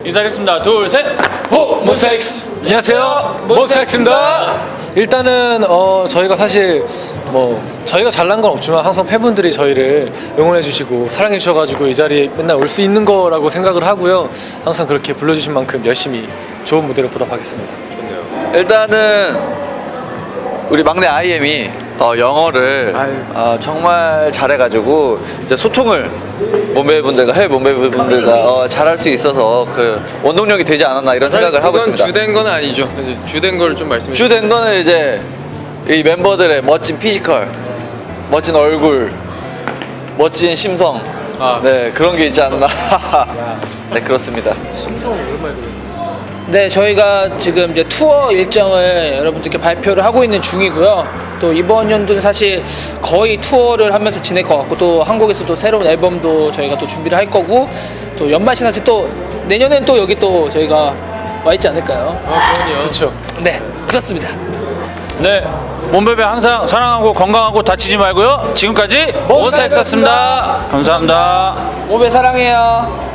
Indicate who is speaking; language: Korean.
Speaker 1: 인사드리겠습니다. 둘, 셋. 호! 몬스타엑스!
Speaker 2: 안녕하세요, 몬스타엑스입니다. 일단은 저희가 사실 저희가 잘난 건 없지만 항상 팬분들이 저희를 응원해 주시고 사랑해 주셔가지고 이 자리에 맨날 올 수 있는 거라고 생각을 하고요. 항상 그렇게 불러주신 만큼 열심히 좋은 무대로 보답하겠습니다.
Speaker 3: 일단은 우리 막내 IM이 영어를 정말 잘해가지고 이제 소통을 해외 몸베이분들과 잘할 수 있어서 그 원동력이 되지 않았나 이런 생각을 하고 있습니다.
Speaker 4: 주된 건 아니죠. 주된 걸 좀 말씀해 주세요.
Speaker 3: 주된 거는 이제 이 멤버들의 멋진 피지컬, 멋진 얼굴, 멋진 심성, 네 그런 게 있지 않나. 네 그렇습니다.
Speaker 5: 네, 저희가 지금 이제 투어 일정을 여러분들께 발표를 하고 있는 중이고요. 또 이번 연도는 사실 거의 투어를 하면서 지낼 것 같고, 또 한국에서도 새로운 앨범도 저희가 또 준비를 할 거고, 또 연말 시상식 또 내년엔 또 여기 또 저희가 와 있지 않을까요?
Speaker 4: 그럼요.
Speaker 2: 그렇죠.
Speaker 5: 네, 그렇습니다.
Speaker 1: 네. 몸베베 항상 사랑하고 건강하고 다치지 말고요. 지금까지 몬스타엑스였습니다. 감사합니다.
Speaker 5: 오베 사랑해요.